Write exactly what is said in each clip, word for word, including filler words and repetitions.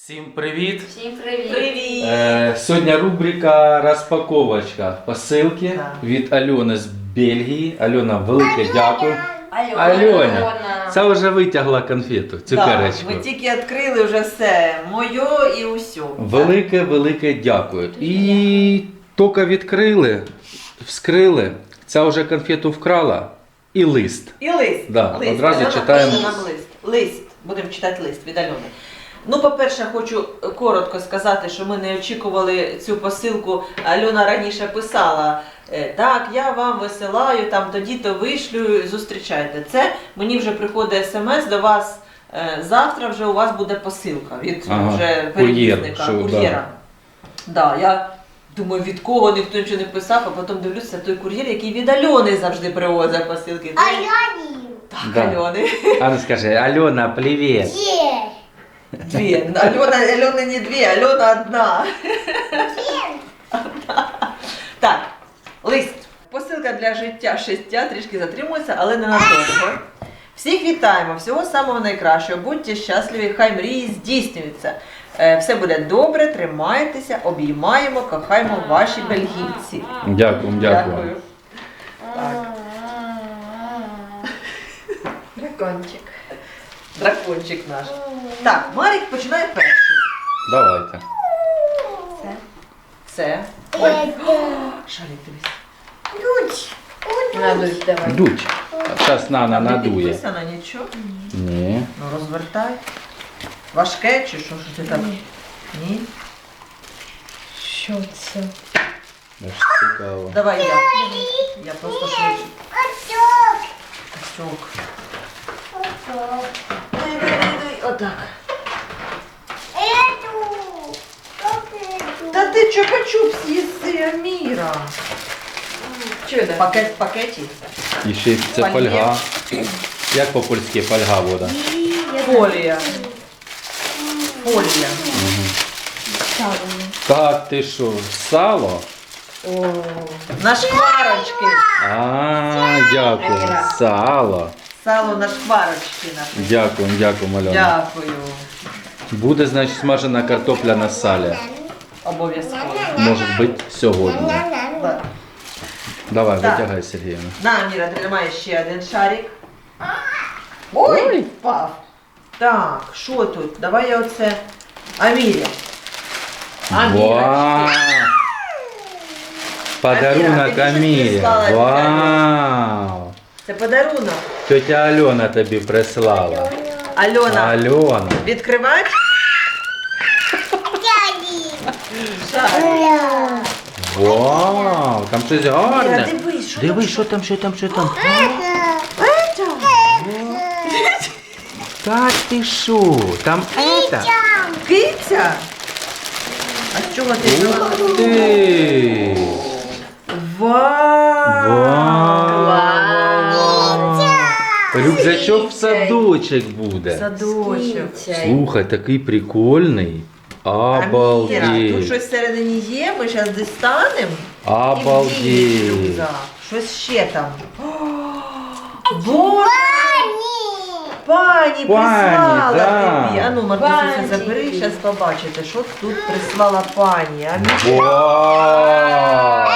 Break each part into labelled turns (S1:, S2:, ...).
S1: Всім привіт!
S2: Всім привіт!
S3: Привіт!
S1: Е, сьогодні рубрика розпаковочка посилки
S3: Так.
S1: від Альони з Бельгії. Альона, велике дякую.
S3: Альона.
S1: Альоня, це вже витягла конфету, цукерочку.
S3: Так, ви тільки відкрили вже все, моє і усе.
S1: Велике, велике дякую. І тільки відкрили, вскрили, ця вже конфету вкрала і лист.
S3: І лист.
S1: Да,
S3: лист.
S1: одразу
S3: Альона
S1: читаємо.
S3: пише нам лист. Лист. Будемо читати лист від Альони. Ну, по-перше, хочу коротко сказати, що ми не очікували цю посилку. Альона раніше писала, е, так, я вам висилаю, там тоді-то вишлю, зустрічайте. Це мені вже приходить смс до вас, е, завтра вже у вас буде посилка від
S1: Ага,
S3: вже
S1: кур'єр,
S3: перевізника,
S1: що,
S3: кур'єра. Да, я думаю, від кого ніхто нічого не писав, а потім дивлюся, той кур'єр, який від Альони завжди привозить посилки. Так,
S1: Да.
S3: Альони.
S1: А ну скажи, Альона, привіт.
S3: Дві. Альона, Альона не дві, Альона одна. Так, лист. Посилка для життя шестя трішки затримується, але не надовго. Всіх вітаємо, всього самого найкращого. Будьте щасливі, хай мрії здійснюються. Е, Все буде добре, тримайтеся, обіймаємо, кохаємо ваші бельгійці.
S1: Дякую, дякую.
S3: Так.
S2: Дракончик.
S3: Дракончик наш. Так, Марік починає перший.
S1: Давайте.
S2: Це.
S3: Це. Ой. Шарик, дивись.
S2: Надуй, давай.
S1: Дуть. Зараз Нана
S3: Не
S1: надує.
S3: підписано нічого.
S1: Ні.
S3: Ну розвертай. Важке чи що, що ти так? Ні.
S2: Що це?
S1: Аж цікаво.
S3: Давай я. Я просто швидше. Качок. Дай, дай, дай, дай. Отак. Та ти чупа-чуп з'їси, Аміра.
S2: Чудо.
S3: Пакет в пакеті.
S1: І ще й це
S3: Фольє.
S1: фольга. Як по-польськи фольга вода?
S3: Фолія. Фолія.
S1: Так, ти що, сало?
S3: О, на шкварочки.
S1: А, дякую. Сало.
S3: Сало на шкварочки наше.
S1: Дякую, дякую, Альона.
S3: Дякую.
S1: Буде, значить, смажена картопля на салі.
S3: Обов'язково.
S1: Може бути сьогодні.
S3: Да.
S1: Давай,
S3: Так.
S1: витягай, Сергіївна.
S3: На, Аміра, тримай ще один шарик. Ой, впав. Так, що тут? Давай я оце. Амірі.
S1: Вау! Подарунок
S3: Аміра, ти
S1: Амірі.
S3: щось прислала,
S1: Вау!
S3: Це подарунок.
S1: Тетя Альона тобі прислала.
S3: Альона,
S1: Альона.
S3: відкривати? Шарик.
S1: Вау! Там щось
S3: Аміра,
S1: гарне.
S3: дивись, що
S1: Дивись, що там, що там, що там. Так ти що? Там это?
S3: Киця? А з чого ти взяла?
S1: Ух ти!
S3: Вау!
S1: Вау! Рюкзачок в садочок буде.
S3: Садочок.
S1: Слухай, такий прикольний.
S3: Аміра, тут
S1: Обалдеть.
S3: щось всередині є, ми зараз дістанемо.
S1: Обалдеть.
S3: Щось ще там. О, Боже! Пані прислала
S1: да.
S3: тобі. А ну, Мартусю,
S2: Пані.
S3: забери, зараз побачите, що тут прислала пані. А
S1: Вау!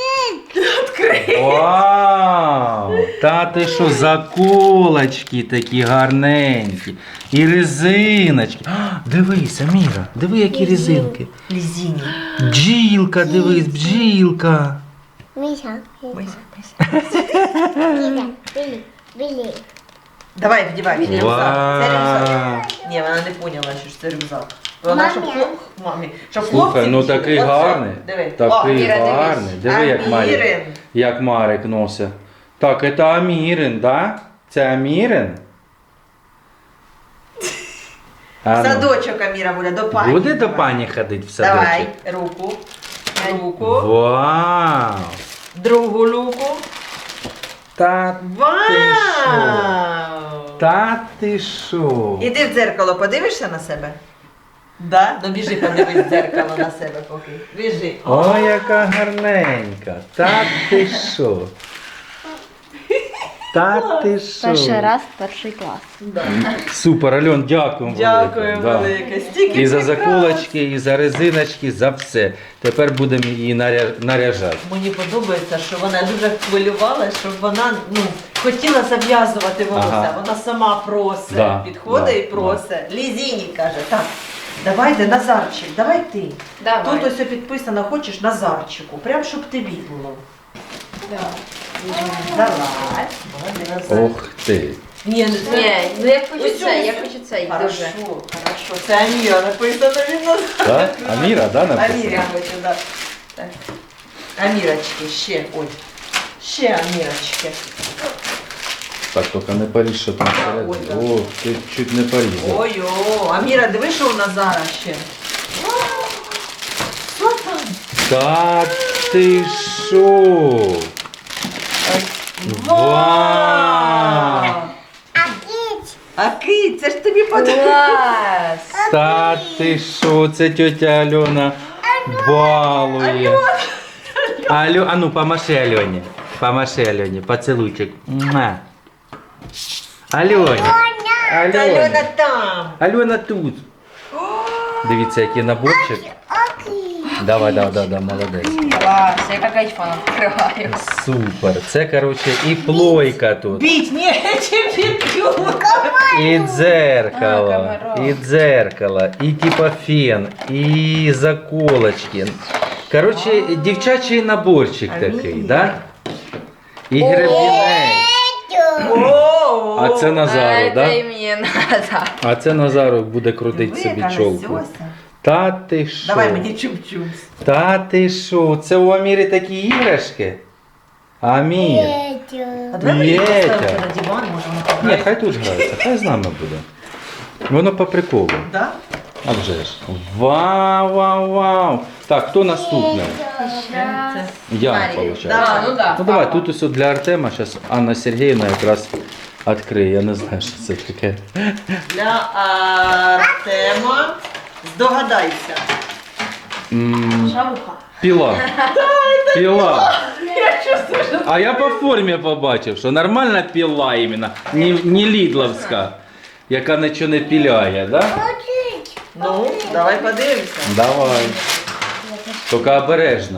S1: Вау! Та ти що, заколочки такі гарненькі. І резиночки. А, дивись, Аміра, диви, які резинки.
S3: Лізіні.
S1: Бджілка, дивись, бджілка.
S2: Миша.
S3: Мися, мися.
S2: Білі. Білі.
S3: Давай, вдівай, це рюкзак. Це рюкзак.
S1: Вау!
S3: Ні, вона не поняла, що ж це рюкзак. Вона, щоб
S2: Мамі.
S3: хлоп... Мамі. Щоб
S1: Слухай,
S3: хлопці
S1: ну
S3: вчили.
S1: такий
S3: Оце.
S1: гарний.
S3: Диви.
S1: Такий
S3: О, Іра, дивись.
S1: гарний. Диви, як Марик,
S3: Амірин.
S1: як Марик носить. Так, це Амірин, да? Це Амірин? А ну.
S3: Садочок Аміра буде, до пані.
S1: Буде до пані ходити в садочок?
S3: Давай, руку. Руку.
S1: Вау!
S3: Другу руку.
S1: Та,
S3: Вау!
S1: та ти що?
S3: Іди в дзеркало, подивишся на себе? Да? Ну біжи, подивись в дзеркало на себе поки. Біжи.
S1: Ой, яка гарненька. Та ти що? Та ти що?
S2: Перший раз, перший клас.
S3: Да.
S1: Супер, Альон, дякуємо.
S3: Дякую
S1: велике. Да.
S3: велике. Стільки
S1: І за
S3: прикрас.
S1: заколочки, і за резиночки, за все. Тепер будемо її наря- наряжати.
S3: Мені подобається, що вона дуже хвилювалася, щоб вона ну, хотіла зав'язувати волосся.
S1: Ага.
S3: Вона сама просить,
S1: Да,
S3: підходить
S1: да,
S3: і просить. Лізіні каже, так, давайте Назарчик, давай ти.
S2: Давай.
S3: Тут ось підписано, хочеш Назарчику, прям щоб тобі було. Давай. Молодець, Назар.
S1: Ох ти.
S3: Ні, не це.
S2: Ні, ну я хочу
S3: Ось
S2: це,
S3: ось.
S2: я хочу цей
S3: Хорошо,
S2: дуже.
S3: хорошо. Це Аміра написано від нас.
S1: Да? Аміра, да, написано?
S3: Аміра хочу, да. Так. Амірочки, ще, ой. Ще Амірочки.
S1: Так, тільки не поріж, що там
S3: Ой,
S1: всередині. Ох, ти чуть не порізав.
S3: Ой-о, Аміра, диви, що у Назара ще. Що там?
S1: Та ти що? Вау!
S3: А кить, це ж тобі подобається.
S2: Клас!
S1: Та ти що? Це тетя Альона балує. Алю, а ну помаши Альоні. Помаши Альоні, поцілуйчик. Муа. Альоня.
S3: Альона
S1: Альона.
S3: там.
S1: Альона тут. Дивіться, який наборчик. Давай, давай, давай, давай, молодець.
S2: Клас, я як айфон відкриваю.
S1: Супер. Це, коротше, і плойка тут.
S3: Бить нечем, б'ють.
S1: І дзеркало,
S2: А, комаров.
S1: і дзеркало, і типа фен, і заколочки. Коротше, дівчачий наборчик такий,
S3: Амінь.
S1: да? І гребінець.
S3: О,
S1: А це Назару,
S2: Це
S1: да?
S2: мені надо.
S1: А це Назару буде крутити собі чолку. Та ти що?
S3: Давай мені чум-чум.
S1: Та ти що? Це у Амірі такі іграшки? Амір.
S3: А давай мені
S1: Петя.
S3: поставити на диван, може ми
S1: Ні,
S3: пограємо.
S1: хай тут грається, хай з нами буде. Воно по приколу.
S3: Да?
S1: А вже ж. Вау, вау, вау. Так, хто наступний?
S3: Це.
S1: Я,
S2: Марія.
S1: виходить.
S3: Да,
S2: ну да.
S1: Ну давай, тут ось для Артема, зараз Анна Сергіївна якраз відкриє. Я не знаю, що це таке.
S3: Для Артема. Здогадайся.
S1: М,
S2: Шавуха.
S1: Піла. Піла.
S3: Я чувствую, що...
S1: А я по формі побачив, що нормальна піла іменно, не, не лідловська, яка нічого не піляє, да?
S3: Ну, давай подивимося.
S1: Давай. Тільки обережно.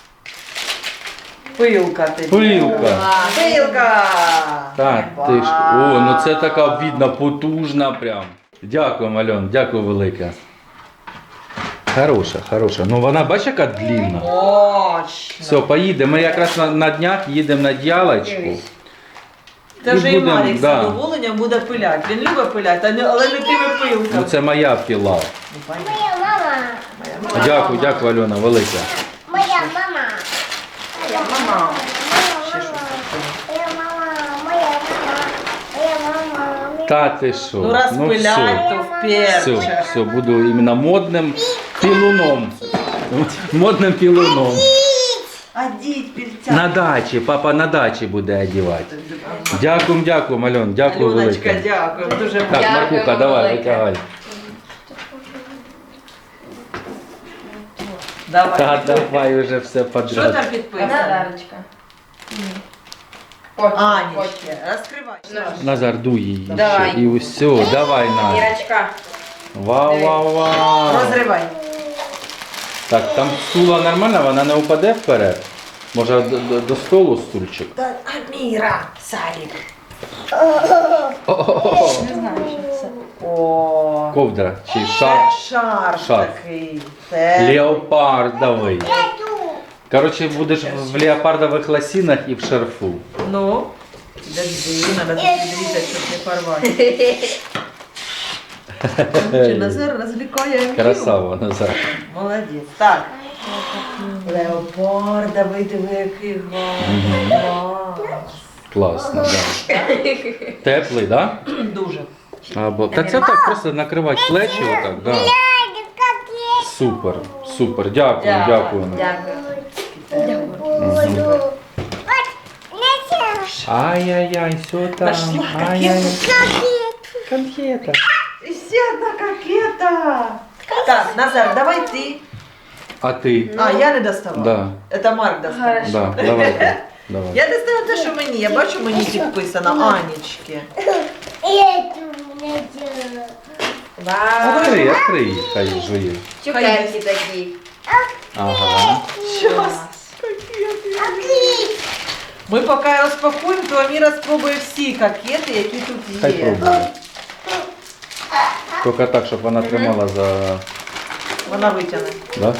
S3: Пилка тобі.
S1: Пилка.
S3: Пилка.
S1: Так, ти ж. О, ну це така видно потужна прям. Дякую, Альон, дякую велике. Хороша, хороша. Ну вона, бачиш, яка длінна.
S3: Точно.
S1: Все, поїдемо. Ми якраз на, на днях їдемо на діалочку.
S3: Це
S1: І
S3: вже і
S1: будем,
S3: Марік з
S1: да.
S3: задоволенням буде пиляти. Він любить пиляти, а не- але не тими пилками.
S1: Ну це моя піла.
S3: Ну, понятно.
S2: Моя мама.
S3: Моя мама.
S1: Дякую, дякую, Альона, велике.
S2: Моя мама.
S3: Моя мама. Ще
S2: Моя
S3: щось
S2: мама.
S3: таке.
S2: Моя мама. Моя мама. Моя мама.
S1: Та ти що?
S3: Ну раз
S1: все.
S3: пилять, то вперше.
S1: Все, все, буду іменно модним пілуном. Модним пілуном.
S3: А діть пільця.
S1: На дачі, папа на дачі буде одягати. Дякую, дякую, Альон, дякую
S3: Альоночка,
S1: велике.
S3: дякую. Дуже
S1: Так,
S2: Дякую,
S1: Маркуха, давай,
S2: велике.
S1: витягай.
S3: Давай.
S1: Та давай уже все
S3: Що
S1: подряд.
S3: там підписано?
S2: Назарочка.
S3: Анічка, розкривай.
S1: Назар, дуй її
S2: Давай.
S1: ще. І усе, давай, на.
S2: Ірочка.
S1: Вау, вау, вау.
S3: Розривай.
S1: Так, там стула нормальна, вона не упаде вперед. Може до, до, до столу стульчик?
S3: Та Аміра, Сарік.
S1: О-о-о.
S2: Не знаю, що це.
S3: О,
S1: Ковдра чи
S3: це
S1: шар
S3: шар
S1: Шарф.
S3: такий. Це
S1: леопардовий. Коротше, будеш в леопардових лосінах і в шарфу.
S3: Ну, подожди, треба тут відрізати, щоб не порвати. Чи Назар розвлікає Аміру?
S1: Красава, Назар.
S3: Молодець. Так. Леопардовий, диви, який гарний.
S1: Класно, да. Теплий, да?
S3: Дуже.
S1: Або... Та це так просто накривати плечі отак, да. Супер, супер, дякую, дякую.
S2: Дякую.
S1: Ай-яй-яй, все там.
S3: Нашла
S1: Ай-яй. Конфета.
S3: І ще одна кокета. Так, Назар, давай ти.
S1: А ти?
S3: А, я не доставала.
S1: Да,
S3: Это Марк доставал.
S2: Хорошо.
S1: да, давай. Давай.
S3: Я не знаю те, що мені. Я бачу, мені підписано Анічки.
S2: Эту мне делаю.
S4: Вау.
S1: Открий, открий, хай жує.
S4: Цукерки такі.
S1: Ага.
S3: Щас. Ми поки розпакуємо, то Аміра спробує всі кокети, які тут
S1: Хай
S3: є.
S1: пробує. Тільки так, щоб вона тримала за...
S3: Вона витягне.
S1: Да?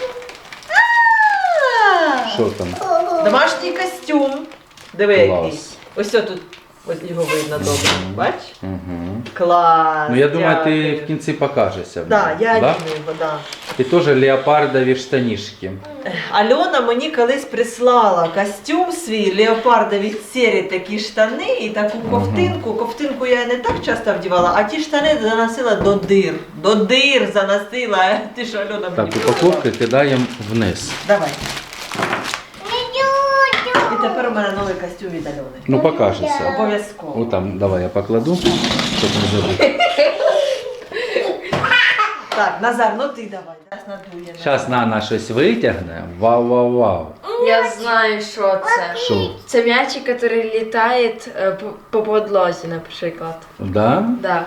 S1: Що там?
S3: Домашній костюм. Диви
S1: Клас.
S3: який. Ось тут. Ось його видно добре. Бач?
S1: Угу.
S3: Клас.
S1: Ну я думаю, ти
S3: дякую.
S1: в кінці покажешся. в
S3: Да,
S1: ньому,
S3: я
S1: да?
S3: одіну його, да.
S1: І теж леопардові штанішки.
S3: Альона мені колись прислала костюм свій, леопардові сірі такі штани і таку ковтинку. Ковтинку я не так часто вдівала, а ті штани заносила до дир. До дир заносила. Ти що, Альона,
S1: Так,
S3: мені
S1: упаковки кидаємо вниз.
S3: Давай. І тепер у мене новий костюм від Альони.
S1: Ну покажешся.
S3: Обов'язково.
S1: О, там, давай я покладу, щоб не забути.
S3: Так, Назар, ну ти давай. Зараз надує.
S1: Зараз Нана щось витягне. Вау-вау-вау.
S4: Я знаю, що це.
S1: Що?
S4: Це м'ячик, який літає е, по, по подлозі, наприклад.
S1: Да?
S4: Да.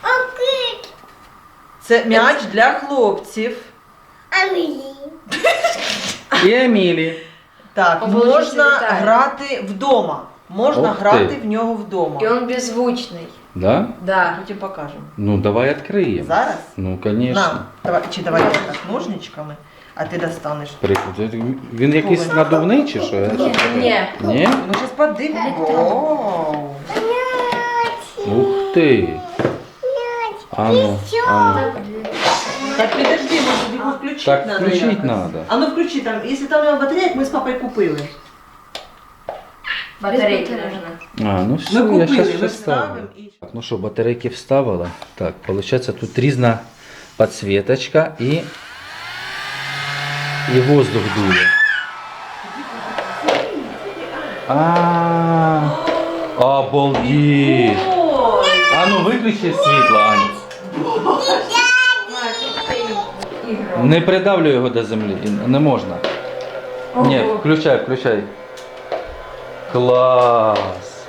S3: Це м'яч для хлопців.
S2: Амели.
S1: І Емілі.
S3: Так,
S4: По вулиці
S3: можна
S4: літає.
S3: грати вдома. Можна
S1: Ух
S3: грати
S1: ти.
S3: в нього вдома.
S4: І він беззвучний.
S1: Да?
S4: Да.
S3: Потім покажемо.
S1: Ну давай відкриємо.
S3: Зараз?
S1: Ну, звісно.
S3: На, давай, чи давай я так ножничками, а ти достанеш.
S1: Приклад. Він якийсь надувний чи що?
S4: Ні.
S1: Ні?
S3: Ну зараз подивимо. Вау.
S1: Ух ти. Ану, ану.
S3: Так підожди, може його включити
S1: Так
S3: надо
S1: включить
S3: якось.
S1: надо.
S3: А ну включи там, якщо там у нього батарейок, ми з папою купили.
S4: Батарейки
S3: Без
S4: можна.
S1: А, ну все,
S3: Ми
S1: я
S3: купили,
S1: зараз
S3: ми
S1: все ставлю.
S3: вставимо і...
S1: Так, ну що, батарейки вставила. Так, получается тут різна підсвіточка і, і воздух дує. А, обалдеть.
S3: Ой!
S1: А ну виключи світло, Аня. Не придавлю його до землі, не можна. Ні, включай, включай. Клас.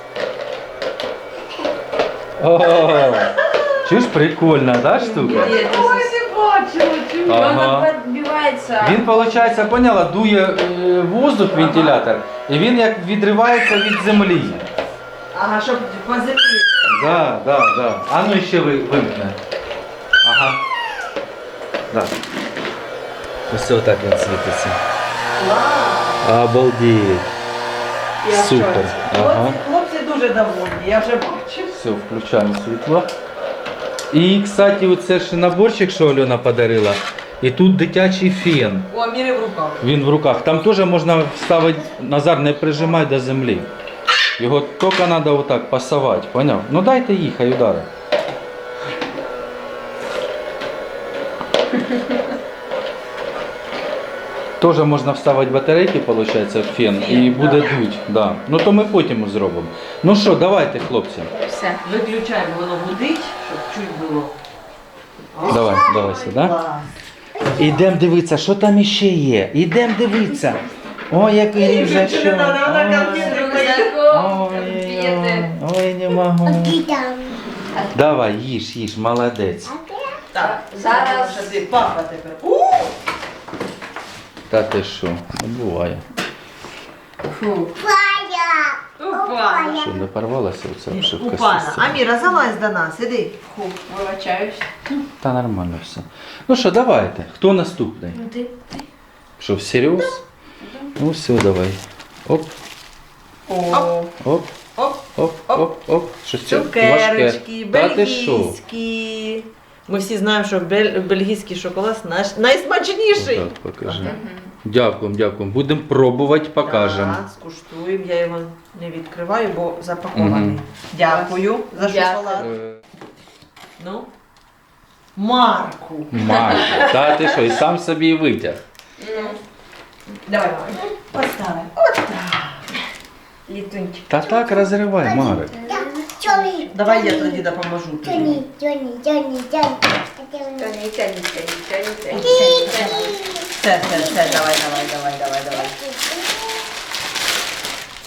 S1: О, чуєш, прикольна, да, штука?
S3: Ой, не бачила, чому?
S1: Ага.
S4: Воно підбивається.
S1: Він, виходить, поняла, дує е, воздух, вентилятор, і він як відривається від землі.
S3: Ага, щоб по землі.
S1: Да, да, да. А ну ще ви, вимкне. Ага. Да. Ось отак він світиться. Обалдеть.
S3: Я в
S1: Супер.
S3: шоці.
S1: Ага.
S3: Хлопці, хлопці дуже довольні, я вже бачу.
S1: Все, включаємо світло. І, кстати, оце ж наборчик, що Альона подарила. І тут дитячий фен.
S3: У Аміри в руках.
S1: Він в руках. Там теж можна вставити, Назар, не прижимай до землі. Його тільки треба отак пасувати, поняв? Ну дайте їй, хай удари. Теж можна вставити батарейки, виходить, в фен, і буде дуть. Да. Ну то ми потім зробимо. Ну що, давайте, хлопці.
S4: Все.
S3: Виключаємо, воно гудить, щоб чуть було.
S1: Давай, давай сюди.
S3: Клас.
S1: Ідемо дивитися, що там іще є. Ідемо дивитися. Ой, який вже що.
S3: Не надо, вона
S1: Ой.
S3: конфети
S4: Рюкзаком,
S1: Ой,
S4: конфети.
S1: ой, ой, не можу.
S2: Ты там.
S1: Давай, їж, їж, молодець.
S3: Так,
S4: Зараз-
S3: зараз ти папа тепер. У!
S1: Та ти що, не буває.
S4: Фу.
S2: Фая.
S4: Опа.
S1: Що, не порвалася оця обшивка?
S3: Купана.
S1: з цим?
S3: Аміра, залазь до нас, іди.
S4: Фу. Вибачаюсь.
S1: Та нормально все. Ну що, давайте. Хто наступний?
S4: Ну ти.
S1: Що, всерйоз? Ну все, давай. Оп,
S3: О,
S1: оп,
S3: оп,
S1: оп, оп, оп. Щось це
S3: цукерочки,
S1: важке. Та ти що?
S3: бельгійські. Ми всі знаємо, що бель- бельгійський шоколад наш найсмачніший.
S1: Так, покажи. Дякуємо, дякуємо. Будемо пробувати, покажемо.
S3: Так, скуштуємо. Я його не відкриваю, бо запакований.
S1: Мгм.
S3: Дякую за
S4: Дякую.
S3: шоколад.
S1: Е,
S3: Ну. Марку.
S1: Марко, та ти що, і сам собі і витяг.
S4: Ну.
S3: Давай, мама. Поставимо. От так.
S4: Літунчик.
S1: Та так розривай, Марик.
S2: Джонни.
S3: Давай я тоді допоможу тобі.
S2: Джонни, Джонни, Джонни, Джонни.
S4: Тоні, тоні, тоні, тоні, тоні.
S3: Все, все, все, давай, давай, давай, давай, давай.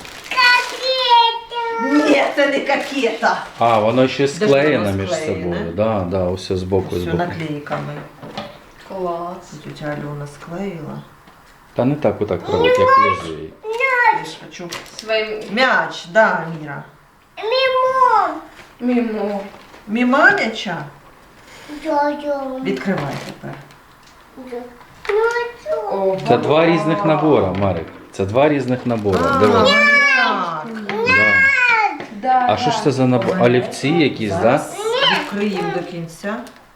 S3: це не кокета.
S1: А, воно ще
S3: ж
S1: склеєно
S3: воно
S1: між
S3: склеєне.
S1: собою. Да, да, ось з боку, з
S3: Все
S1: боку.
S3: наклейками.
S4: Клас.
S3: Тетя Альона склеїла.
S1: Та не так отак робить, як лезвіє.
S3: Я ж хочу.
S4: Своїм
S3: М'яч, да, Міра.
S2: Мимо.
S4: мімо.
S3: Міма м'яча.
S2: Йо-йо.
S3: Відкривай тепер.
S2: Ну, що?
S4: О,
S1: Це два різних набора, Марик. Це два різних набора.
S3: А,
S1: Диви.
S3: так.
S1: Да.
S4: да,
S1: А що ж це за набор? Олівці якісь, так? Да?
S3: Зараз відкриємо до кінця.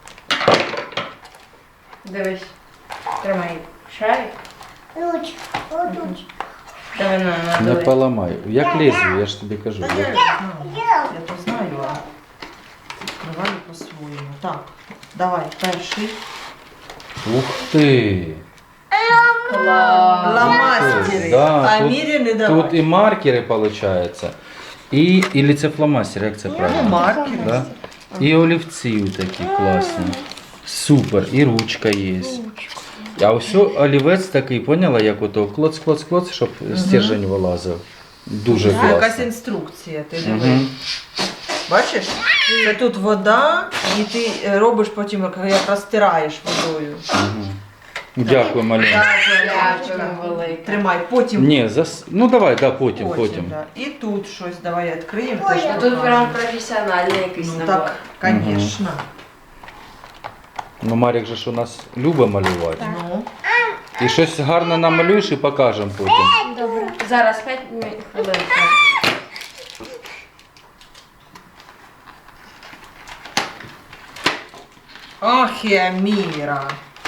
S4: Дивись. Тримай шарик.
S2: Руч, отут.
S4: Давай на, на,
S1: Не
S4: давай.
S1: поламай. Як лезвію, я ж тобі кажу.
S3: Та я,
S1: Як-
S3: ж знаю. Я то знаю, а відкриваю по-своєму. Так, давай, перший.
S1: Ух ти!
S4: Клас.
S3: Ламастери.
S1: Да,
S3: а
S1: тут-
S3: Мірі не давай.
S1: Тут і маркери, виходить. І, і це фломастер, як це
S3: Ну,
S1: правильно?
S3: маркери.
S1: Да? І олівці такі класні. Супер, і ручка є. А ось олівець такий, поняла, як ото клоц, клоц, клоц, щоб стержень вилазив. Дуже
S3: Це якась
S1: класно.
S3: інструкція, ти
S1: Угу.
S3: диви. Бачиш? Це тут вода, і ти е, робиш потім, як як розтираєш водою.
S1: Угу. Дякую, Малін.
S4: Дякую, велике.
S3: Тримай, потім.
S1: Ні, зас... ну давай, да, потім, потім.
S3: Да. І тут щось давай відкриємо.
S2: Ой,
S3: теж
S2: а
S4: Тут
S3: покажемо.
S4: прям професіональний якийсь
S3: Ну
S4: набор.
S3: так, звісно.
S1: Ну, Марік же ж у нас любить малювати.
S3: Ну,
S1: І щось гарне намалюєш і покажемо потім.
S4: Добре. Зараз п'ять хвилин.
S3: ах, я Міра.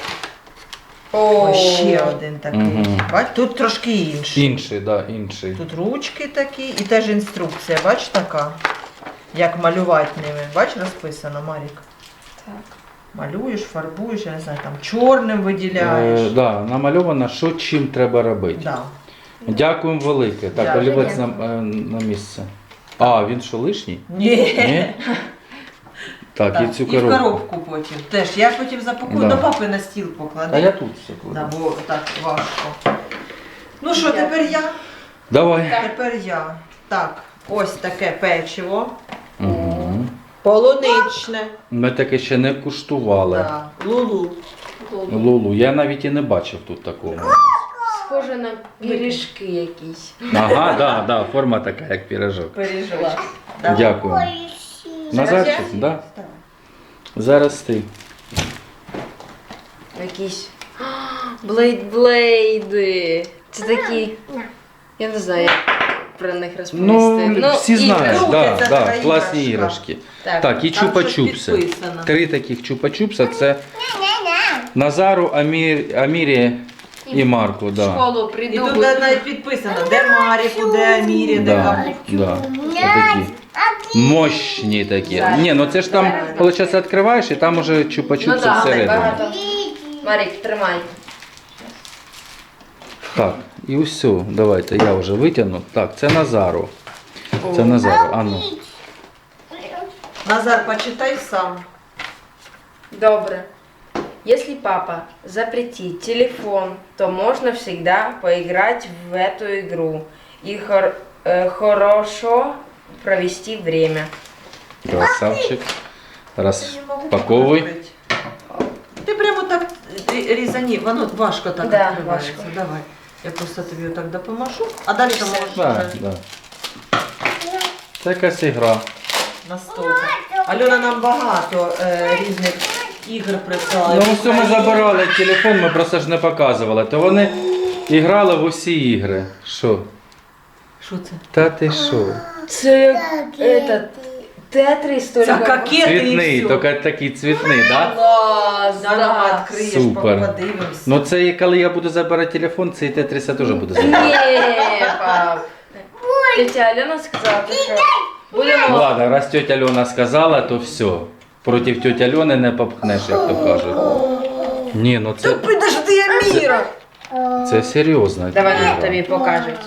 S4: О,
S3: Ось ще один такий.
S1: Мгм.
S3: Бач, тут трошки інший.
S1: Інший, да, інший.
S3: Тут ручки такі і теж інструкція, бач така. Як малювати ними. Бач, розписано, Марік.
S4: Так.
S3: Малюєш, фарбуєш, я не знаю, там чорним виділяєш.
S1: Е, да, намальовано, що чим треба робити.
S3: Да.
S1: Дякуємо велике. Так,
S3: Дякую.
S1: олівець на, е, на місце. А, він що лишній?
S3: Ні.
S1: Ні? Так,
S3: Так,
S1: і цю
S3: і в
S1: коробку.
S3: коробку потім. Теж я потім запакую,
S1: Да.
S3: до папи на стіл поклади.
S1: А я тут все
S3: Да,
S1: кладу.
S3: бо так важко. Ну що, тепер я?
S1: Давай.
S3: Тепер я. Так, ось таке печиво.
S1: Угу.
S3: Полуничне.
S1: Ми таке ще не куштували.
S3: Да. Лулу.
S1: Лулу, я навіть і не бачив тут такого.
S4: Схоже на пиріжки якісь.
S1: Ага, да, да, форма така, як пірожок.
S3: Пережила. Давай.
S1: Дякую.
S2: Ой,
S1: Назарчик, да? Зараз ти.
S4: Якісь блейд-блейди. Це такі. Я не знаю, як про них розповісти.
S1: Ну, всі знають,
S3: іграшка.
S1: да,
S3: Крутиться
S1: да,
S3: така
S1: класні
S3: іграшка.
S1: іграшки.
S4: Так.
S1: Так, і
S3: Там щось
S1: чупа-чупси.
S3: підписано.
S1: Три таких чупа-чупса це
S2: ня-ня-ня.
S1: Назару, Амір, Амірі і Марку.
S4: В
S1: Да.
S4: школу
S3: І
S4: прийду.
S3: тут
S4: буду-
S3: навіть підписано, де Маріку, де Амірі, де
S1: Да,
S3: кому.
S1: да. Отакі. Мощні такі. Ні, ну це ж там, виходить, відкриваєш і там уже
S4: Ну
S1: чупа-чупси
S4: так,
S1: всередині.
S4: багато. Марік, тримай.
S1: Так, і все, давайте, я вже витягну. Так, це Назару. Це Назару. А ну.
S3: Назар, почитай сам.
S4: Добре. Если папа запретит телефон, то можно всегда поиграть в эту игру и хор- э, хорошо провести время.
S1: Красавчик.
S3: Я не можу
S1: Розпаковуй.
S3: відкрити. Ти прямо так рі- різані, воно важко так
S4: Да,
S3: відкривається.
S4: важко.
S3: Давай. Я просто тобі отак допоможу, а далі ти можеш
S1: Да,
S3: вже
S1: да. Це якась ігра.
S3: на стол. Альона нам багато е, різних ігор прислала.
S1: Ну, все ми забирали телефон, ми просто ж не показували. То вони іграли в усі ігри. Що?
S3: Що це?
S1: Та ти що?
S4: Це як этот, Тетрис,
S3: Це
S4: только...
S3: кокети
S1: Цвітний,
S3: і все.
S1: тільки такий цвітний, так? Да?
S4: Класс,
S3: Да, давай, відкриєш,
S1: Супер.
S3: подивимось.
S1: Ну це і коли я буду забирати телефон, цей Тетріса теж буде забирати.
S4: Не, пап. Тетя Алена сказала, що будемо...
S1: Ладно, раз тетя Альона сказала, то все. Проти тьоті Альони не попхнеш, як то кажуть. Ні, ну це,
S3: Підожди, Аміра!
S1: це серйозно.
S4: Давай тобі покажуть.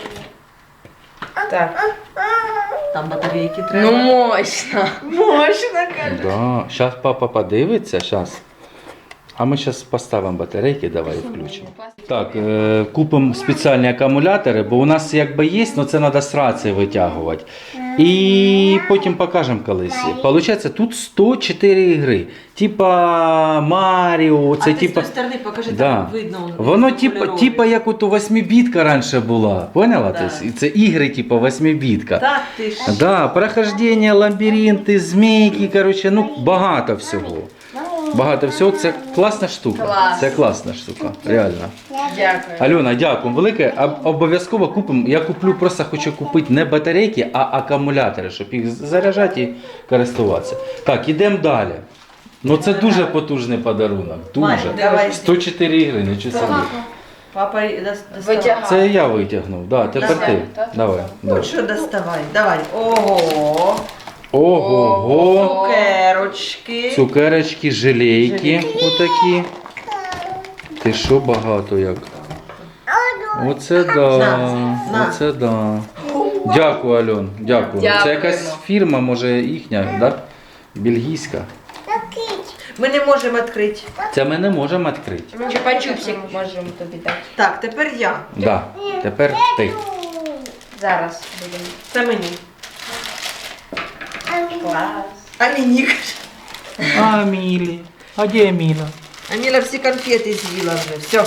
S4: Так.
S3: Там батарейки
S4: Ну,
S3: треба.
S4: мощно. Мощно, каже.
S1: Да. Зараз папа подивиться, зараз. А ми зараз поставимо батарейки, давай включимо. Так, е, купимо спеціальні акумулятори, бо у нас якби є, але це треба з рації витягувати. І потім покажемо колись. Получається, тут сто чотири ігри. Типа Маріо, це
S3: а ти
S1: типа.
S3: з тої сторони покажи,
S1: Да.
S3: там видно.
S1: Воно
S3: ці
S1: типа,
S3: кольорові.
S1: типа як от у восьмибітка раніше була. Поняла?
S3: Да.
S1: Тобто, і це ігри типа восьмибітка.
S3: Так, ти ж.
S1: Да, прохождення, лабіринти, змійки, коротше, ну багато всього. Багато всього. Це класна штука.
S4: Клас.
S1: Це класна штука, реально.
S4: Дякую.
S1: Альона, дякую велике. Об- Обов'язково купимо. Я куплю, просто хочу купити не батарейки, а акумулятори, щоб їх заряджати і користуватися. Так, ідемо далі. Ну це дуже потужний подарунок.
S3: Мань,
S1: Дуже.
S3: давай.
S1: сто чотири ігри, нічого собі.
S3: Папа й дос- доставай.
S4: Витягай.
S1: Це я витягнув. Да, тепер
S3: Давай.
S1: ти. Давай.
S3: Ну
S1: давай.
S3: що доставай? Давай. Ого.
S1: Ого-го.
S3: Цукерочки.
S1: Цукерочки, желейки отакі. Ти що багато як? Оце да.
S3: На, на.
S1: Оце да. Дякую, Альон. Дякую. Це
S4: Дякуємо.
S1: якась фірма, може їхня, да? Бельгійська.
S3: Ми не можемо відкрити.
S1: Це ми не можемо відкрити.
S4: Чупа-чупсик можемо тобі дати.
S3: Так, тепер я.
S1: Да. Тепер ти.
S4: Зараз будемо.
S3: Це мені.
S4: Клас.
S3: А мені.
S1: А, Мілі. А де Міла?
S3: Аміла всі конфети з'їла вже. Все.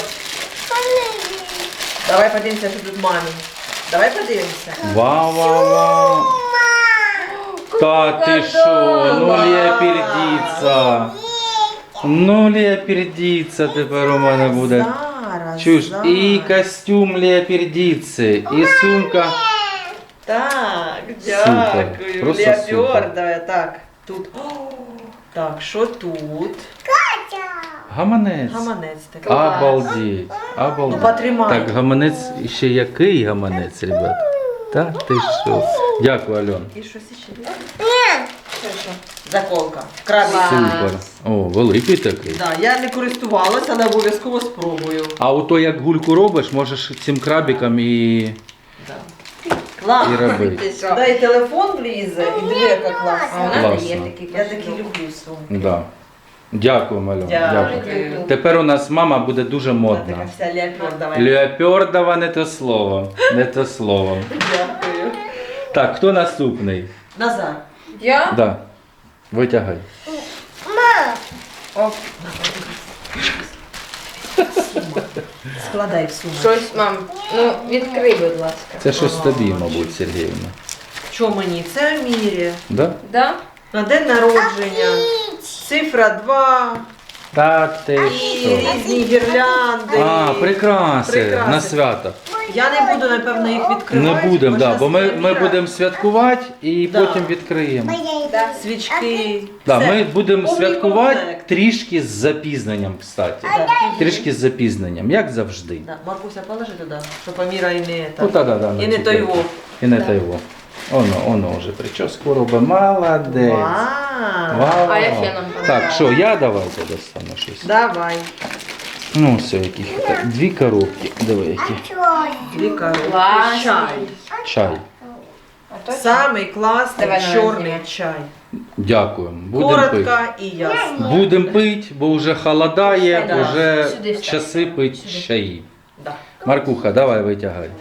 S3: Давай подивимося, що тут мамі. Давай подивимося.
S1: Вау, вау, вау. Та ти що? Ну леопардиця. Ну леопардиця тепер у мене буде.
S3: Зараз.
S1: Чуєш,
S3: зараз.
S1: і костюм леопардиці, і сумка.
S3: Так,
S1: Супер,
S3: дякую.
S1: просто
S3: Леопардове. Так, тут. О, так, що тут?
S1: Гаманець.
S3: Гаманець такий.
S1: Обалдеть.
S3: Ну,
S1: Обалдеть.
S3: потримай.
S1: Так, гаманець, ще який гаманець, ребят? Та ти що? Дякую, Альон.
S3: І щось ще є? Це що? Заколка. Крабик.
S4: Клас.
S1: Супер. О, великий такий.
S3: Да, я не користувалася, але обов'язково спробую.
S1: А ото як гульку робиш, можеш цим крабиком і.
S3: Да. Клас.
S1: І робити.
S3: Ти що? Да, і телефон влізе, і диви, яка
S4: А у
S3: класна.
S4: нас
S1: Класно.
S4: є такі.
S3: Я такі люблю сумки.
S1: Да. Дякую, Альон. Дякую.
S3: Дякую.
S1: Тепер у нас мама буде дуже
S3: Вона
S1: модна.
S3: така вся леопардова.
S1: Леопардова не те слово. Не те слово.
S3: Дякую.
S1: Так, хто наступний?
S3: Назар.
S4: Я?
S1: Да. Витягай.
S4: Оп.
S3: Складай в сумку.
S4: Щось, мам. Ну, відкрий, будь ласка.
S1: Це щось тобі, мабуть, Сергіївна.
S3: Що мені? Це Амірі.
S1: Да?
S4: Да?
S3: На день народження. Цифра два.
S1: Та ти
S3: І
S1: що?
S3: різні гірлянди.
S1: А, прикраси
S3: Прикраси.
S1: на свято.
S3: Я не буду, напевно, їх відкривати.
S1: Не будемо, да, бо ми,
S3: щас
S1: ми
S3: Аміра.
S1: будемо святкувати і
S3: Да.
S1: потім відкриємо.
S3: Свічки.
S1: Да,
S3: Все.
S1: ми будемо
S3: Повний
S1: святкувати
S3: комплект.
S1: трішки з запізненням, кстати.
S3: Да.
S1: Трішки з запізненням, як завжди.
S3: Да. Маркуся, положи туди, щоб Аміра і не
S1: Ну, та, да, да,
S3: і не
S1: на
S3: той
S1: цукерку.
S3: вов.
S1: І не той во. Оно, оно вже прическу робить. Молодець.
S3: Вау.
S1: Вау.
S4: А я феном
S1: Так, що, я давайте достану щось.
S3: Давай.
S1: Ну, все, яких так, дві коробки. Диви, які.
S3: Дві коробки.
S4: Класний.
S3: Чай.
S1: Чай.
S4: А то
S3: Самий класний
S4: Давай, давай,
S3: чорний
S4: знімай.
S3: чай.
S1: Дякуємо. Будемо
S3: Коротко
S1: пити.
S3: і ясно.
S1: Будемо пити, бо вже холодає,
S3: Да.
S1: вже
S4: Сюди встань.
S1: часи пить чаї.
S3: Да.
S1: Маркуха, давай витягай.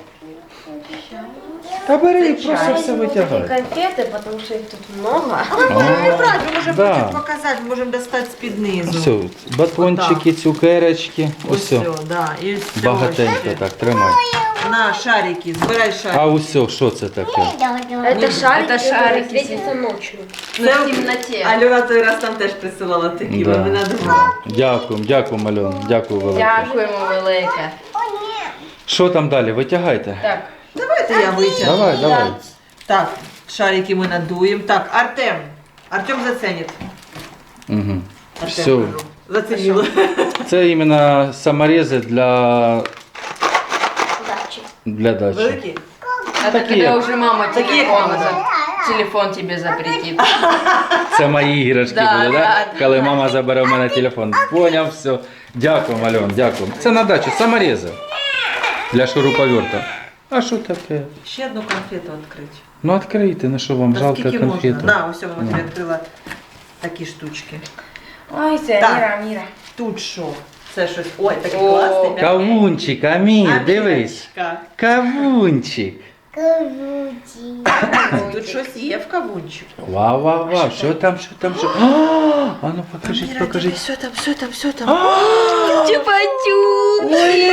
S1: Та бери, просто все витягай.
S4: конфети, тому що їх тут много.
S3: А ми можемо не брати, ми можемо
S1: Да.
S3: потім показати, можемо достати з-під низу.
S1: Все, батончики, цукерочки,
S3: Ось
S1: усе.
S3: все, да. І ось це
S1: Багатенько
S3: ще.
S1: так, тримай.
S3: На, шарики, збирай шарики.
S1: А усе, що це таке?
S4: Это шарики, это шарики светятся ночью.
S3: Це
S4: В темноте.
S3: Альона той раз там теж присилала такі,
S1: Да.
S3: ми надумали.
S1: Дякуємо, дякуємо, Альон, дякую велике.
S4: Дякуємо велике.
S1: Що там далі? Витягайте.
S4: Так.
S3: Давайте я витягну.
S1: Давай, давай.
S3: Так, шарики ми надуємо. Так, Артем. Артем заценить.
S1: Угу.
S3: Артем,
S1: Все.
S3: кажу. Зацінила.
S1: Це іменно саморези для, для дачі.
S3: Великі?
S4: Это
S1: Такие.
S4: когда уже мама
S3: Такие
S4: телефон,
S3: как
S4: за- телефон тебе запретит.
S1: Це мої іграшки
S4: Да,
S1: будуть, да?
S4: да, да.
S1: Коли мама забере в мене телефон. Поняв, все. Дякую, Альон, дякую. Це на дачу, саморези. Для шуруповерта. А що таке?
S3: Ще одну конфету відкрити.
S1: Ну відкрийте, на що вам
S3: Та
S1: жалко
S3: скільки
S1: конфету.
S3: можна? На, ось я
S1: Ну.
S3: тобі відкрила такі штучки.
S4: Ой, це
S3: Так.
S4: Міра, Міра.
S3: Тут що? Це щось. Ой, такий
S4: О,
S3: класний.
S1: Кавунчик, Амір, дивись.
S3: Амірочка.
S1: Кавунчик.
S2: Кавуці.
S3: Тут щось є в кавунчику.
S1: Вау, вау, вау, що там, що там, що? А, а ну покажіть,
S3: Міра,
S1: покажіть.
S3: диви, Що там, що там, що там?
S4: Чупа-чуп!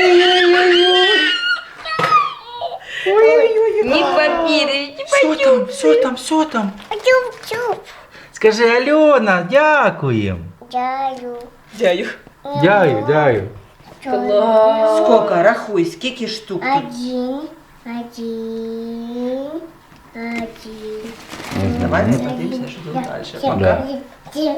S4: Не папір,
S1: Що там, що там, що там?
S2: Чуп-чуп.
S1: Скажи, Альона, дякуємо.
S2: Даю.
S3: Дякую.
S1: Дякую, дякую.
S4: Клас.
S3: Скільки, рахуй, скільки штук тут?
S2: Один. Один. Один.
S3: Давайте подивимося, що тут далі.
S1: Да.
S2: Один.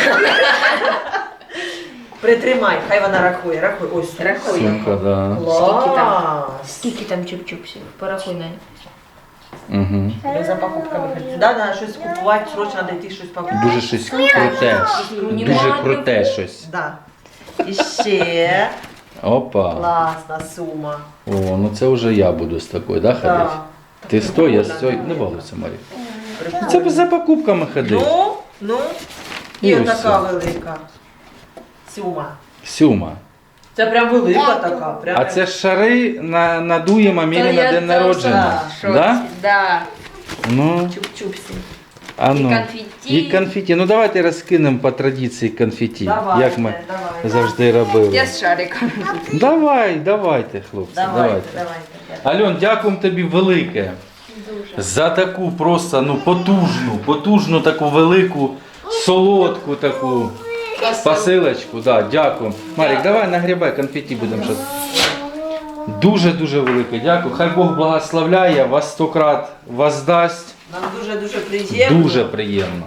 S3: Притримай, хай вона рахує, рахуй. Ось, рахуй.
S1: Сумка, да.
S4: Скільки там?
S3: Клас.
S4: Скільки там чуп-чупсів? Порахуй, Надя.
S1: Угу.
S3: Ми за покупками ходимо. Да, треба щось купувати, срочно треба йти щось покупати.
S1: Дуже щось круте. Дуже круте щось.
S3: Да. І ще
S1: Опа.
S3: класна сума.
S1: О, ну це вже я буду з такою, да, ходити?
S3: Да.
S1: Ти стой, я стой. Не балуйся, Марі. Це б за покупками ходити.
S3: Ну, ну, і
S1: І
S3: отака
S1: все.
S3: велика сума.
S1: Сюма.
S3: Це прям велика така. Прям
S1: А це ж шари на, надуємо Мірі
S4: Та
S1: на
S4: я
S1: день
S4: теж
S1: народження.
S4: в шоці.
S1: Да?
S4: Да.
S1: Ну,
S4: Чуп-чупсі.
S1: а
S4: І
S1: ну.
S4: конфетті.
S1: І конфеті. Ну давайте розкинемо по традиції конфеті.
S3: Давайте,
S1: Як ми
S3: давайте.
S1: завжди робили.
S4: Я з шариком.
S1: Давай, давайте, хлопці,
S3: Давайте,
S1: давайте.
S3: давайте.
S1: Альон, дякуємо тобі велике. За таку просто ну потужну, потужну таку велику, солодку таку посилочку. Да, дякую. Марік, давай нагрібай конфеті будемо щось. Дуже-дуже велике дякую. Хай Бог благословляє, вас сто крат воздасть.
S3: Нам дуже-дуже приємно.
S1: Дуже приємно.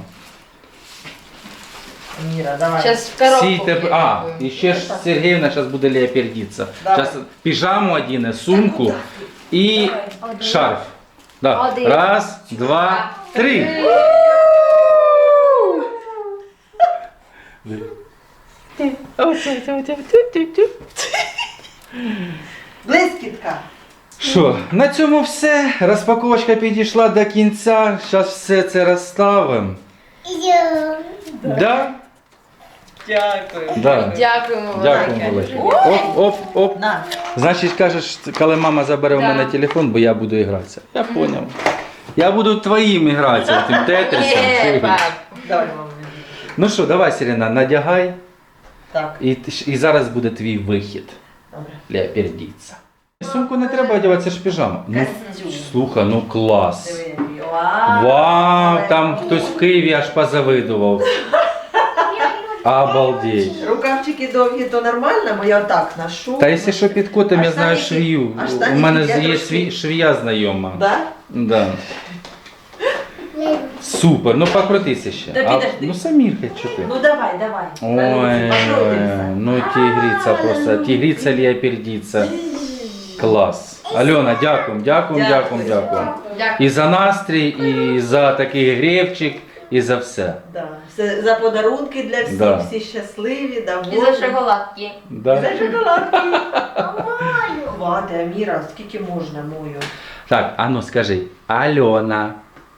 S3: Міра, давай.
S4: Зараз в коробку.
S1: Сійте, а, і ще ж Сергіївна зараз буде леопердитися.
S3: Давай.
S1: Зараз піжаму одіне, сумку і шарф. Да.
S4: Один.
S1: Раз, два, три.
S3: Блискітка.
S1: Що, на цьому все. Розпаковочка підійшла до кінця. Зараз все це розставимо.
S2: Ідем.
S1: Да?
S3: Дякую.
S1: Да.
S4: Дякуємо
S1: Дякую,
S4: велике.
S1: велике. Оп, оп, оп.
S3: На.
S1: Значить, кажеш, коли мама забере в
S4: Да.
S1: мене телефон, бо я буду гратися. Я зрозумів. Я буду твоїм гратися, тим тетрисом.
S4: Є,
S1: чуєш?
S4: пап.
S3: Давай, мама.
S1: Ну що, давай, Сирена, надягай.
S3: Так,
S1: І, ти ж- і зараз буде твій вихід.
S3: добре.
S1: Леопердіться. Сумку не треба одягати, це ж піжама. Ну,
S3: Костюм.
S1: слухай, ну клас.
S3: Диви, який. Вау.
S1: Вау, там хтось в Києві аж позавидував. Обалдеть.
S3: Рукавчики довгі, то нормально, бо я отак ношу.
S1: Та якщо що під котом,
S3: А
S1: я знаю
S3: штаники-
S1: швію.
S3: а
S1: У
S3: штаники
S1: мене
S3: я
S1: є
S3: трошки-
S1: свій, швія знайома.
S3: Да?
S1: Да. Супер, ну покрутися ще.
S3: Та
S1: А,
S3: підожди.
S1: ну Самір, що ти.
S3: Ну давай, давай.
S1: Ой, ой, ну тигрица просто, тигрица леопердица. Клас. Альона, дякуємо, дякуємо, дякуємо, дякуємо.
S4: Дякую.
S1: І за настрій, і за такий гребчик, і за все.
S3: Да. Все за подарунки для всіх,
S1: Да.
S3: всі щасливі,
S4: І
S3: довольні.
S4: за шоколадки.
S1: Да?
S3: За шоколадки. Хвати, Аміра, скільки можна мою?
S1: Так, а ну скажи, Альона.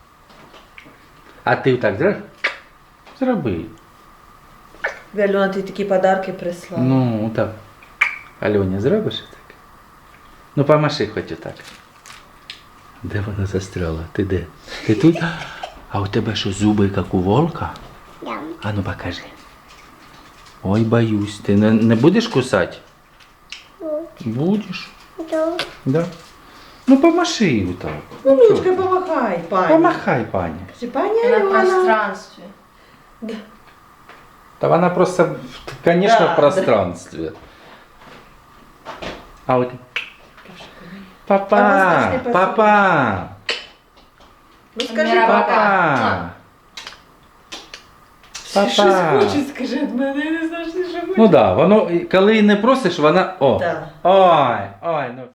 S1: А ти так зробиш? Зроби.
S3: Альона, ти такі подарки прислала.
S1: Ну, так. Альоні, зробиш так? Ну, помаши хоч отак. Де вона застряла? Ти де? Ти тут? А у тебе що, зуби, як у волка?
S2: Дам.
S1: А ну покажи. Ой, боюсь. Ти не, не будеш кусати? Будеш.
S2: Дам.
S1: Да. Ну, помаши отак.
S3: Ну, Лучка, помахай, пані.
S1: Помахай, пані.
S3: Скажи, пані
S4: На
S3: Альона.
S4: пространстві.
S1: Та вона просто, конечно,
S3: Да,
S1: в пространстве. А от...
S3: А
S1: Папа,
S3: воздушний посыл.
S1: папа,
S3: Ну скажи,
S4: Аміра,
S3: папа.
S1: папа.
S3: Щось
S1: Папа.
S3: хоче, скажи від мене, я не знаю, що хоче.
S1: Ну да, воно, коли не просиш, вона, о,
S3: Так.
S1: ой, ой, ну.